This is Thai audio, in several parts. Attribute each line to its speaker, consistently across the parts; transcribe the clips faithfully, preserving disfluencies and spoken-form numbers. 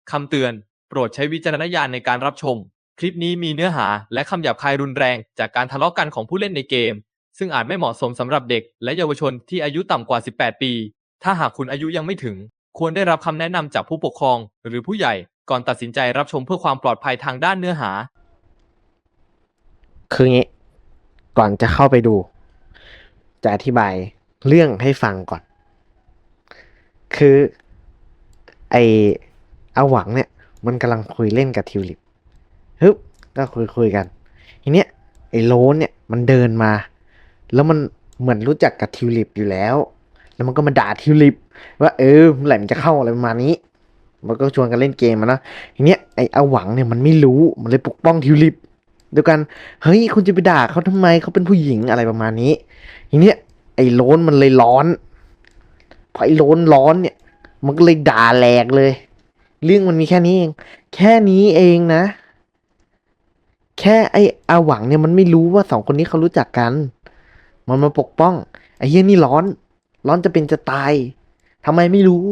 Speaker 1: คำเตือนโปรดใช้วิจารณญาณในการรับชมคลิปนี้มีเนื้อหาและคำหยาบคายรุนแรงจากการทะเลาะกันของผู้เล่นในเกมซึ่งอาจไม่เหมาะสมสำหรับเด็กและเยาวชนที่อายุต่ำกว่าสิบแปดปีถ้าหากคุณอายุยังไม่ถึงควรได้รับคำแนะนำจากผู้ปกครองหรือผู้ใหญ่ก่อนตัดสินใจรับชมเพื่อความปลอดภัยทางด้านเนื้อหา
Speaker 2: คืองี้ก่อนจะเข้าไปดูจะอธิบายเรื่องให้ฟังก่อนคือไออาหวังเนี่ยมันกำลังคุยเล่นกับทิวลิปฮึบก็คุยคุยกันทีเนี้ยไอโลนเนี่ยมันเดินมาแล้วมันเหมือนรู้จักกับทิวลิปอยู่แล้วแล้วมันก็มาด่าทิวลิปว่าเออเมื่อไหร่มันจะเข้าอะไรประมาณนี้มันก็ชวนกันเล่นเกมมานะทีเนี้ยไออาหวังเนี่ยมันไม่รู้มันเลยปกป้องทิวลิปเดียวกันเฮ้ยคุณจะไปด่าเขาทำไมเขาเป็นผู้หญิงอะไรประมาณนี้ทีเนี้ยไอ้โลนมันเลยร้อนพอไอ้โลนร้อนเนี่ยมันก็เลยด่าแหลกเลยเรื่องมันมีแค่นี้เองแค่นี้เองนะแค่ไอ้อาหวังเนี่ยมันไม่รู้ว่าสองคนนี้เขารู้จักกันมันมาปกป้องไอ้เหี้ยนี่ร้อนร้อนจะเป็นจะตายทำไมไม่รู้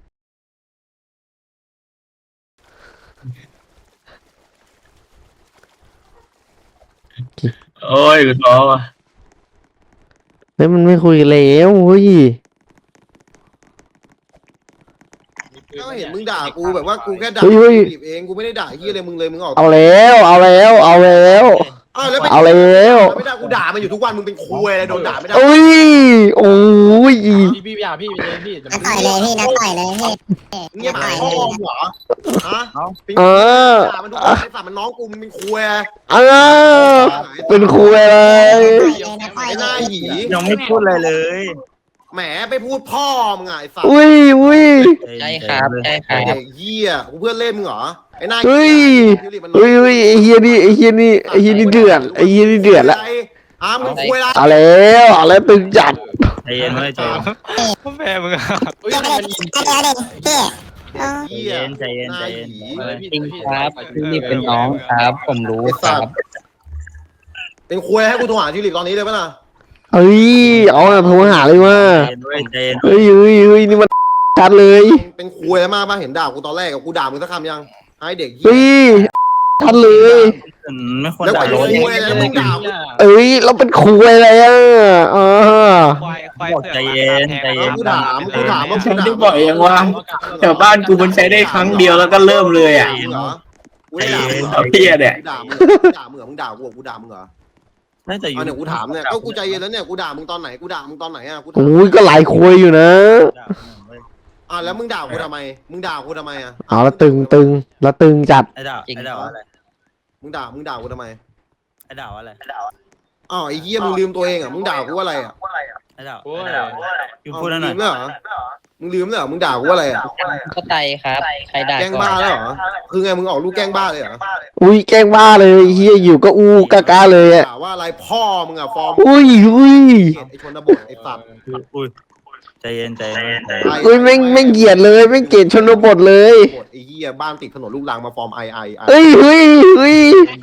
Speaker 3: โอ้ยกูท้อว่ะ
Speaker 2: แล้วมันไม่คุยกันแล้วเฮ้ย
Speaker 4: ก็เห็นมึงด่ากูแบบว่ากูแค่ด่า
Speaker 2: เฮ้ยเฮ้ย
Speaker 4: บีบเองกูไม่ได้ด่าไอ้เหี้ยอะไรมึงเลยมึงออก
Speaker 2: เอาแล้วเอาแล้วเอาแล้ว
Speaker 4: อ้าวแล้วไม่
Speaker 2: เอาแล้ว
Speaker 4: ไม่ได้กูด่ามันอยู่ทุกวันมึงเป็นคุยอะไรโดนด่าไม่ได้
Speaker 2: โอ้ยโอ้ย
Speaker 5: พี่พี่อย่าพี่ไปเลยพี่
Speaker 6: นักต่อยเลยพี่นักต่อยเลยพี่
Speaker 4: เงียบหายพ่อมึงเหรอฮะเป็น
Speaker 2: เออ
Speaker 4: ด่ามันทุกวันไอ้สัตว์มันน้องกูมึงเป็นคุย
Speaker 2: เออเป็นครูอะไร
Speaker 6: นักต่อย
Speaker 4: ไอ้ห
Speaker 6: เล
Speaker 4: น้าย หยี
Speaker 3: ยังไม่พูดอะไรเลย
Speaker 4: แหมไปพูดพ่อมึงไงไอ้สัตว์
Speaker 2: อุ้ยอุ้ย
Speaker 5: ใช่ครับใช่ค
Speaker 4: ไอ้
Speaker 5: รับ
Speaker 4: เด็กเหี้ยกูเพื่อนเล่นมึงเหรอไอ้หน้า
Speaker 2: เฮ้ยเฮ้ยเฮ้ยไอ้เฮียนี่ไอ้เฮียนี่ไอ้เฮียนี่เดือดไอ้เฮียนี่เดือดละ
Speaker 4: อ้ามึงคุยอะไร
Speaker 2: เอาแล้วเอาแล้วตึงจัด
Speaker 3: ใจเย็นเลยใจเย็น
Speaker 5: แม่มึงอ่ะเฮ้ย
Speaker 6: เดี๋ยว
Speaker 5: มัน
Speaker 6: เดี๋ยวเดี๋ยวพี่เอา
Speaker 4: เหี้ย
Speaker 3: ใจเย็นใจเย็น
Speaker 4: หาหยี
Speaker 5: จริงครับพี่นี่เป็นน้องครับ ผมรู้
Speaker 4: ไอ้
Speaker 5: ค
Speaker 4: สั
Speaker 5: รั
Speaker 4: ต
Speaker 5: บ
Speaker 4: ว์เป็นคุยให้กูโทรหาทิวลิปตอนนี้เลยป่ะน่ะ
Speaker 2: เฮ้ยเอาอะโทรหาเลยว่า
Speaker 3: ใจเย็นด้วยใจเย็น
Speaker 2: เฮ้ยเฮ้ยเฮ้ยนี่มันชัดเลย
Speaker 4: เป็นคุยอะไรมากป่ะเห็นด่ากูตอนแรกกับกูด่ามึงสักคำยังให้เด็ก
Speaker 2: เฮ้ยชัดเลย
Speaker 3: ไม่ควร
Speaker 4: แล้ว
Speaker 3: ด่า
Speaker 4: ไป
Speaker 3: โล
Speaker 4: คุ
Speaker 3: น
Speaker 4: ยอะไรมึงด่า
Speaker 2: เอ้ยเราเป็นครูอะไรอ่ะอ่า
Speaker 5: ควายควาย
Speaker 3: ใจเย็นใจเย็น
Speaker 4: กูถามกูถามว่า
Speaker 7: ฉันได้บอกเองว่าแถวบ้านกูมันใช้ได้ครั้งเดียวแล้วก็เริ่มเลยอ่ะ
Speaker 4: เหรอกูได้ด่ามึง
Speaker 7: เอาเพี้ยเนี่ย
Speaker 4: กูด่ามึงด่ามึงเหรอมึงด่ากูกูด่ามึงเหรอ
Speaker 3: น่าจะอ
Speaker 4: เอา
Speaker 3: ยู่
Speaker 4: เนี่ยกูถามเนี่ยก็กูใจเย็นแล้วเนี่ยกูด่ามึงตอนไหนกูด่ามึงตอนไหนอ่ะกูถาม
Speaker 2: โอ้ยก็หลายคุยอยู่นะ
Speaker 4: อ่ะแล้วมึงด่ากูทำไมมึงด่ากูทำไมอ่ะ
Speaker 2: เอาละตึงตึงแล้วตึงจัด
Speaker 3: ไอ้ด่าไอ้ด่าอะไร
Speaker 4: มึงด่ามึงด่ากูทำไม
Speaker 3: ไอ้ด่าอะไร
Speaker 4: อ้าวไอ้เหี้ยมึงลืมตัวเองอ่ะมึงด่ากูว่าอะไรอ่ะ
Speaker 3: ไอ้ด่า
Speaker 5: โอ้ย
Speaker 3: อยู่พูดหน่อย
Speaker 4: ลืมแล้วเหรอมึงลืมแล้วเหรอมึงด่ากูว่าอะไรอ่ะ
Speaker 5: ก็ไตครับใครด่า
Speaker 4: แกล้งบ้าแล้วเหรอคือไงมึงออกลูกแกล้งบ้าเลยเหรอ
Speaker 2: อุ้ยแกล้งบ้าเลยเฮียอยู่ก็อูกากาเลยอ่ะ
Speaker 4: ด่าว่าอะไรพ่อมึงอ่ะฟอร์ม
Speaker 2: อุ้ยอุ้ย
Speaker 4: ไอ้ชนบทไอ้สัตว์
Speaker 3: อุ้ยใจเย็นใจเย็น
Speaker 2: อุ้ยแม่งแม่งเกลียดเลยแม่งเกลียดชนบทเลย
Speaker 4: บทไอ้เหี้ยบ้านติดถนนลูกรังมาฟอร์มไอไอไอ
Speaker 2: เฮ้ยเฮ้ยเฮ้ย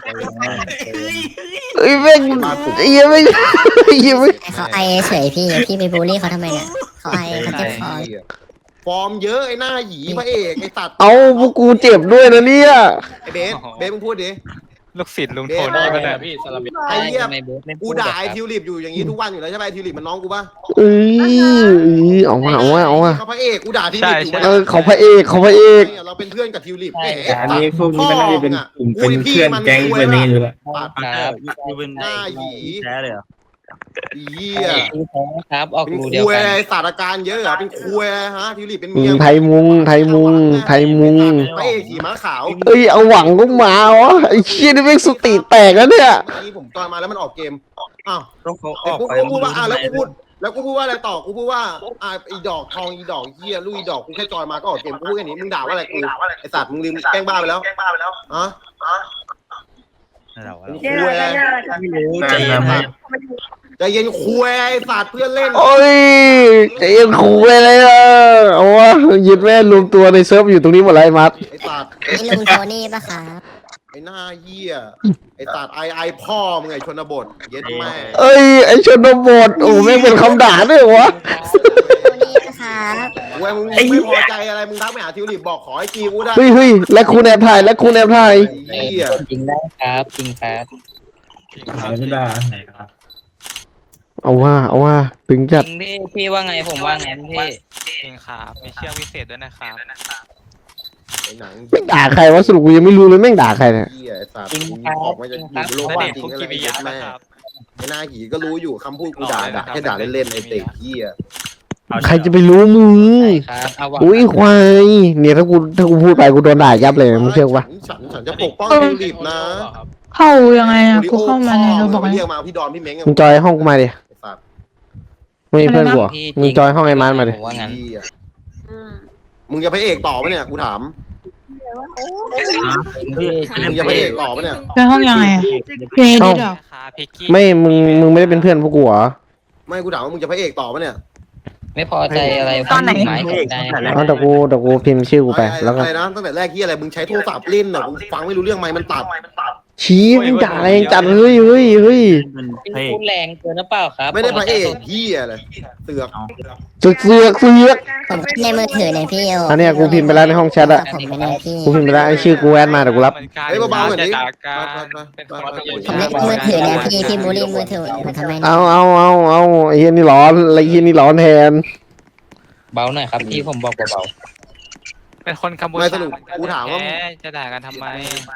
Speaker 2: เฮ้ยแม่งเฮียแม่งเฮียแม่ง
Speaker 6: เขาไอเฉยพี่พี่ไปบูลลี่เขาทำไมเนี่ยเขาไอเขาเจ็บคอ
Speaker 4: ฟอร์มเยอะไอ้หน้าหยีพระเอกไอ้สัตว์
Speaker 2: เอาพวกกูเจ็บด้วยนะเนี่ย
Speaker 4: ไอ้เบสเบสมึงพูดดิ
Speaker 5: ลูกศิษย์ลุงโทนี่ป่ะเนี่ยพี่สลับ
Speaker 4: ไอ้เหี้ย
Speaker 5: ทำไมเบสไม่พู
Speaker 4: กู
Speaker 5: ด
Speaker 4: ด่า
Speaker 5: อะค
Speaker 4: ไอ้
Speaker 5: รับ
Speaker 4: ทิวลิปอยู่อย่างนี้ทุกวันอยู่แล้วใช่ไหมไอ้ทิวลิปมันน้องกูปะ
Speaker 2: เอ้ยเอามาเอามาเอามา
Speaker 4: เขาพระเอกกูด่าทิวลิปอยู่
Speaker 2: เออเขาพระเอกเขาพระเอก
Speaker 4: เราเป็นเพื่อนกับทิวลิป
Speaker 7: อันนี้พวกนี้มันน่าจะเป็นกลุ่มเป็นเพื่อนแก๊งเป็นนี้อยู่แล้ว
Speaker 5: ครับ
Speaker 3: อยู่เป็นแท้เลยเหรอ
Speaker 4: เหี้ย
Speaker 5: ดูแท้ครับออก
Speaker 4: เป็น
Speaker 5: รู
Speaker 4: คุ
Speaker 5: เดียวย กั
Speaker 4: อะไร
Speaker 5: น
Speaker 4: ศาสตราการเยอะเหรอเป็นคุยอะไรฮะทิวลิปเป็น
Speaker 2: อื
Speaker 4: เมีย
Speaker 2: มไทยมุงไทยมุงไทยมุง
Speaker 4: พระเอกขี่ม้าขาว
Speaker 2: เอ้ยเอาหวังก็มาวะไอ้เชี่ยนี่แม่งสติแตกแล้วเนี่ย
Speaker 4: เมื่อกี้ผมตอนมาแล้วมันออกเกมอ้าว
Speaker 3: ต้องเขาอ
Speaker 4: แต่
Speaker 3: อก
Speaker 4: กู
Speaker 3: ไป
Speaker 4: กูพูดว่าอ่ะแล้วกูพูดแล้วกูพูดว่าอะไรต่อกูพูดว่าอ่ะอีดอกทองอีดอกเหี้ยลูกอีดอกกูแค่จอยมาก็ออกเกมกูพูดแค่นี้มึงด่าว่าอะไรกูไอสัตว์มึงลืมแกล้งบ้าไปแล้วอ่ะ
Speaker 3: ไอ้ด่าอะไร
Speaker 4: คุยอะไร
Speaker 3: ไม่รู้ใจเย็น
Speaker 4: ใจเย็นคุยไอสัตว์เพื่อนเล่น
Speaker 2: โอ้ยใจเย็นขู่ไปเลยอ่ะเอาวะยึดแม่รวมตัวในเซิร์ฟอยู่ตรงนี้หมดเลยมัด
Speaker 4: ไอสัตว์
Speaker 6: นี่ลุงโทนี่ปะครับ
Speaker 4: ไอ้หน้าเหี้ยไอ้ตัดไอไอพ่อมึงไอ้ชนบทเย็ดแม่
Speaker 2: เอ้ยไอชนบทโอ้แม่งเป็นคำด่าด้วยวะ
Speaker 6: นี่นะครับ
Speaker 4: เว้ยมึงไม่พอใจอะไรมึงทักไปหาทิวลิปบอกขอไอจีกูได้
Speaker 2: เฮ้ยเฮ้ยและคุณแอบถ่ายและคุณแอบถ่าย
Speaker 4: ไอ้เหี้ย
Speaker 5: จริงได้ครับจริงครับ
Speaker 7: หายไม่ได้
Speaker 2: เอาว่าเอาว่าถึง
Speaker 5: จ
Speaker 2: จัด
Speaker 5: ริงพี่พี่ว่าไงผมว่าไงพี่
Speaker 8: จริงครับมีเชือกวิเศษด้วยนะครับ
Speaker 4: ไอ้หนัง
Speaker 2: แม่งด่าใครวะสรุปกูยังไม่รู้เลยแม่งด่าใครเนี่ย
Speaker 4: เหี้ยไอ้สัตว์ออกมาจากอยู่โลก
Speaker 8: ณ
Speaker 4: ความ
Speaker 8: เดชน์
Speaker 4: จริง
Speaker 8: คุ
Speaker 4: อะไร
Speaker 8: กิมิ
Speaker 4: เย็
Speaker 8: ยะ
Speaker 4: ด
Speaker 8: นะ
Speaker 4: แม่
Speaker 8: ครับ
Speaker 4: ไอ้หน้าหีก็รู้อยู่คำพูดกูด่าด่าแค่ด่าเล่นๆไอ้เตะเหี้ย
Speaker 2: ใครจะไปรู้มึง
Speaker 5: ใช่ครับเอาหวัง
Speaker 2: อุ้ยควายเนี่ยถ้ากูถ้ากูพูดไปกูโดนด่ายับเลยมึงเชื่อปะ
Speaker 4: ฉันฉันจะปกป้องทิวลิปนะ
Speaker 9: เข้ายังไงอ่ะ กูเข้ามาในเราบอก
Speaker 4: เรี
Speaker 9: เนี่ย
Speaker 4: ยกมาพี่ดอนพี่เม้ง
Speaker 2: มึงจอยห้องกูมาดิ
Speaker 4: ไอ้สัตว์
Speaker 2: ไม่มีเพื่อนกูเหรอมึงจอยห้องไอ้มันมาดิ
Speaker 5: ผมว่างั้น
Speaker 4: เหี้ยมึงจะพระเอกต่อปะเนี่ยกูถาม
Speaker 5: พี่
Speaker 4: มึงจะพระเอกต่อปะเนี่ย
Speaker 9: ไปห้องยังไงอ่ะเพลงดิดอก
Speaker 8: นะครับพิกกี้
Speaker 2: ไม่มึงมึงไม่ได้เป็นเพื่อนพวกกูเหรอ
Speaker 4: ไม่กูถามว่ามึงจะพระเอกต่อปะเนี่ย
Speaker 5: ไม่พอใจอะไร
Speaker 9: ตอนไหน
Speaker 5: หมายตกใจ
Speaker 2: เอาแต่กูแต่กูพิมพ์ชื่อกูไปแล้วก็
Speaker 4: อะไรนะตั้งแต่แรกที่อะไรมึงใช้โทรศัพท์เล่นน่ะมึงฟังไม่รู้เรื่องไหมมันตัด
Speaker 2: ชี้มึงด่าแรงจัดเฮ้ยเฮ้ยเฮ้ย
Speaker 5: พี่พูดแรงเกินหรือเปล่าครับ
Speaker 4: ไม่ได้พระเอกเหี้ยเลยเสือก
Speaker 2: เสือกเสือกเสือก
Speaker 6: ผมขึ้นในมือถือเนี่ยพี่โอ
Speaker 2: อันเนี้ยกูพิมพ์ไปแล้วในห้องแชทอะ
Speaker 6: ผมไม่ได้พี่
Speaker 2: กูพิมพ์ไปแล้วไอ้ชื่อกูแอดมาเดี๋ยวกูรับ
Speaker 8: เหมือนกัน
Speaker 4: เฮ้ยเบาๆหน่อยดิ
Speaker 8: จะด่ากันเป็นคน
Speaker 6: ผมเล่นมือถือเนี่ยพี่พี่บูลลี่มือถือผมทำไมเนี่ย
Speaker 2: เอาเอาเอาเอาไอ้เฮียนี่ร้อนไอ้เฮียนี่ร้อนแทน
Speaker 5: เบาหน่อยครับพี่ผมบอกเบา
Speaker 8: เป็นคนกัมพู
Speaker 4: ไม่
Speaker 8: ชา
Speaker 4: สรุปกูถามว่า
Speaker 8: แท้จะด่ากันทำไม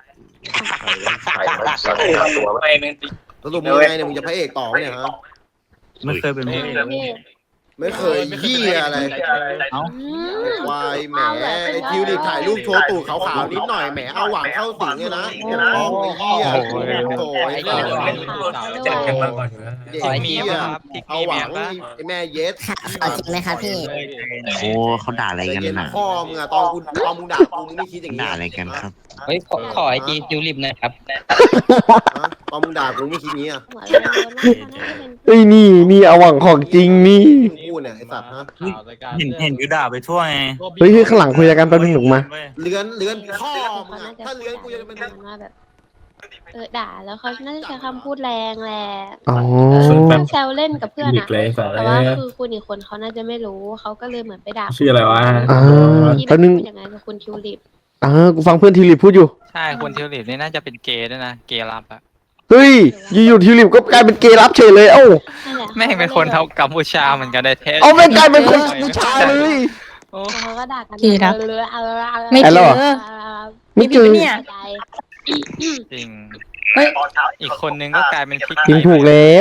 Speaker 4: สรุปมึงไงเนี่ยมึงจะพระเอกต่อปะเนี่ยฮะ
Speaker 3: ไม่เคยเป็นพระเอก
Speaker 4: ไม่เคยเหี้ยอะไรวายแหมไอ้ทิวลิปถ่ายรูปโชว์ตูดขาวๆนิดหน่อยแหมเอาหวังเข้าสิงเนี่ยนะปกป้องไอ้เหี้ยโถ่ไอ้สัตว์
Speaker 5: ๆ
Speaker 4: เด็ก
Speaker 8: ขอให้มี
Speaker 4: เหี้ย
Speaker 8: บ้างครับพิก
Speaker 4: เอา
Speaker 8: กี้
Speaker 4: ห
Speaker 8: เมี
Speaker 4: วั
Speaker 8: ย
Speaker 4: ง
Speaker 8: บ้าง
Speaker 4: ไอ้แม่เย็ด
Speaker 6: เอาจริงไหมครับพี่
Speaker 10: โอ้เขาด่าอะไรกัน
Speaker 4: เย็น
Speaker 10: น่ะ
Speaker 4: พ่อมึงอะตอนกูตอนมึงด่ากูมึงไม่คิดอย่างนี้
Speaker 10: ด่าอะไรกันครับ
Speaker 5: เฮ้ยขอขอไอจีทิวลิปหน่อยครับ
Speaker 4: ตอนมึงด่ากูไม่คิดอย่างนี้อะ
Speaker 2: เอ้ยนี่นี่เอาหวังของจริงนี่
Speaker 4: มึงพูดเนี่ยไอ้สัตว์ฮะ
Speaker 3: เห็นเห็นกูด่าไปทั่วไง
Speaker 2: เฮ้ยเฮ้ยข้างหลังคุยกันแป๊บนึงหนุกมา
Speaker 4: เลื้อนเลื้อนพ่อมึงอะถ้าเลื้อนกูจะเป็น
Speaker 11: มาแบบเออด่าแล้วเขาน่าจะใช้คำพูดแรงแหละ
Speaker 2: อ๋อ
Speaker 11: เออถ้าแซวเล่นกับเพื่อนอะแต่ว่าคือคุณอีกคนเขาน่าจะไม่รู้เขาก็เลยเหมือนไปด่า
Speaker 7: ชื่ออะไรวะ
Speaker 2: อ่า
Speaker 11: ที่
Speaker 2: แป๊บนึง
Speaker 11: พูดอย่างนั้นกับคุณทิวลิป
Speaker 2: อ่ากูฟังเพื่อนทิวลิปพูดอยู่
Speaker 8: ใช่คนทิวลิปนี่น่าจะเป็นเกย์ด้วยนะเกย์รับอะ
Speaker 2: เฮ้ยอยู่ๆทิวลิปก็กลายเป็นเกย์รับเฉยเลยเอ้า
Speaker 11: นั่นแหละ
Speaker 8: แม่งเป็นคนเท่ากัมพูชาเหมือนกันได้แท้
Speaker 2: เอาไม่งกลายเป็นคนผู้ชายเลย
Speaker 8: โอ้
Speaker 11: แล้วเขาก็ด่ากัน
Speaker 9: กี่รัก
Speaker 11: เออเออเออ
Speaker 9: ไม่
Speaker 2: ไอ้
Speaker 9: เจ
Speaker 2: แล้ว
Speaker 9: อ
Speaker 2: เหรอ
Speaker 11: เออ
Speaker 2: ไม่เจอ
Speaker 9: เนี่ย
Speaker 11: ใจ
Speaker 8: จริง
Speaker 9: เฮ้ย
Speaker 8: อีกคนนึงก็กลายเป็นพิก
Speaker 2: จริง
Speaker 8: กี้
Speaker 2: ถูกแล้ว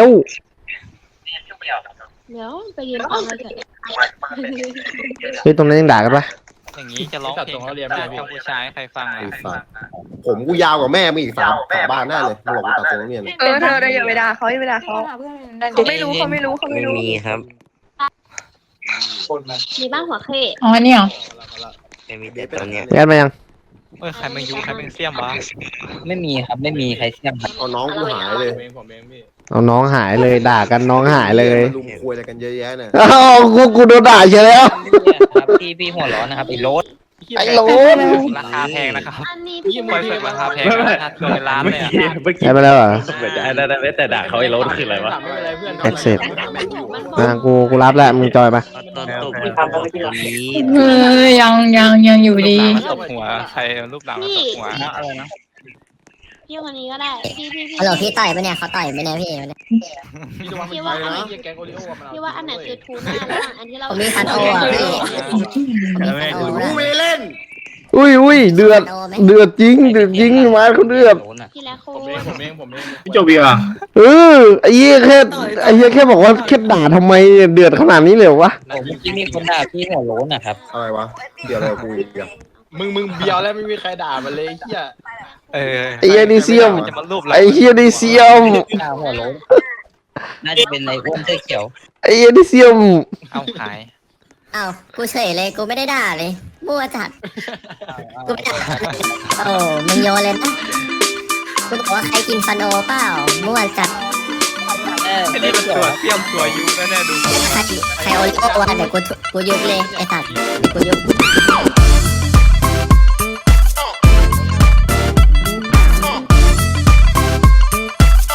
Speaker 11: เดี๋ยวไปยืนฟังเลยเถอะ
Speaker 2: เฮ้ยตรงนั้นยังด่ากันปะ
Speaker 8: อย่างนี้จะร้องเพลงกัมพูชาให้ใครฟัง
Speaker 4: ไอ้
Speaker 8: อ่ะ
Speaker 4: สัตว์ผมกูยาวกว่าแม่มึงอีกสามสามบ้านแน่เลยมึงบอกกูตัดตรงนี้เนี่ย
Speaker 9: เออเธอเธออย่าไปด่าเขาอย่าไปด่าเขาเขาไม่รู้เขาไม่รู้เขาไม่
Speaker 10: ไม่
Speaker 9: รู้
Speaker 10: มีครับ
Speaker 11: มีบ้างหัวเค
Speaker 9: อ๋ออันนี่เหรอ
Speaker 10: ไม่มีแต่ตอนเนี้ย
Speaker 2: แอดมายัง
Speaker 8: เออใครมายุใครเป็นเสี่ยมวะ
Speaker 5: ไม่มีครับไม่มีใครเสี่ยมครับ
Speaker 4: เอาน้องกูหายเลย
Speaker 2: เอาน้องหายเลยด่ากันน้องหายเลย
Speaker 4: ลุมคุยอะไรกันเยอะแยะเนี่ย
Speaker 2: อ้าวกูกูโดนด่าเฉยแล้ว
Speaker 5: เนี่ยครับพี่พี่หัวร้อนนะครับไอ้โรส
Speaker 2: ไอ้โหลน
Speaker 8: ราคาแพงนะครับ
Speaker 11: อันนี้พี่
Speaker 8: คอยฝึกราคาแพงนะราคาเกินล้านเลยอ่ะ
Speaker 2: แอดมาแล้วเหรอ
Speaker 10: แต่ด่าเขาไอ้รถคืออะไรวะ
Speaker 2: แอดเสร็จอ่ากูกูรับแล้วมึงจอยปะ
Speaker 10: ตอนตบคนนี้
Speaker 9: เออยังยังยังอยู่ดี
Speaker 8: ตบหัวใครรูปหลังมาตบหัว
Speaker 3: อะไรนะ
Speaker 11: พี่คนนี้ก็ได้พี่พี่พี่
Speaker 6: ฮัลโหลพี่ต่อยปะเนี่ยเขาต่อยปะเนี่ยพี่
Speaker 11: พี่ว่าอันไหนพี่ว่าอันไหนคือทูน่าระหว่างอันที่เรา
Speaker 6: ผมมีฟันโออ่ะพี่ผมมีฟันโอ
Speaker 4: กู
Speaker 6: ด้วย
Speaker 4: ไม่เล่น
Speaker 2: อุ้ยอุ้ยเดือดเดือดจริงเดือดจริงมาเขาเดือด
Speaker 5: โรสอะ
Speaker 11: พี่และคุณ
Speaker 7: พี่โจบีอ่ะ
Speaker 2: เออไอ้เหี้ยแค่ไอ้เหี้ยแค่บอกว่าแค่ด่าทำไมเดือดขนาดนี้เลยวะ
Speaker 5: โอ้เมื่อกี้มีคนด่าพี่หัวโล้นนะครับ
Speaker 4: อะไรวะเดี๋ยวอะไรกับกูอีกอะ
Speaker 5: มึงมึงเบียวแล้วไม่มีใครด่ามันเลยเฮีย
Speaker 8: เออ
Speaker 2: ไอ้เหี้ยนี่เสี่ยม
Speaker 8: จะมารูป
Speaker 2: ไอ้เหี้ยนี่เสียม
Speaker 5: ด่าหัวโล้นน่าจะเป็นในอ้วนเสื้อเขียว
Speaker 2: ไอ้เหี้ยนี่เสียม
Speaker 8: เอาขาย
Speaker 6: อ้าวกูเฉยเลยกูไม่ได้ด่าเลยมั่วจัดกูไม่ด่าโอ้มึงโยนเลยนะกูบอกว่าใครกินฟันโอเปล่ามั่วจัด
Speaker 5: เออ
Speaker 8: ไอ้นี่มันตัวเสี่ยมตัวยุแน่ๆดู
Speaker 6: ใครใครโอริโอวะเดี๋ยวกูทุกูยุบเลยไอ้สัตว์เดี๋ยวกูยุบ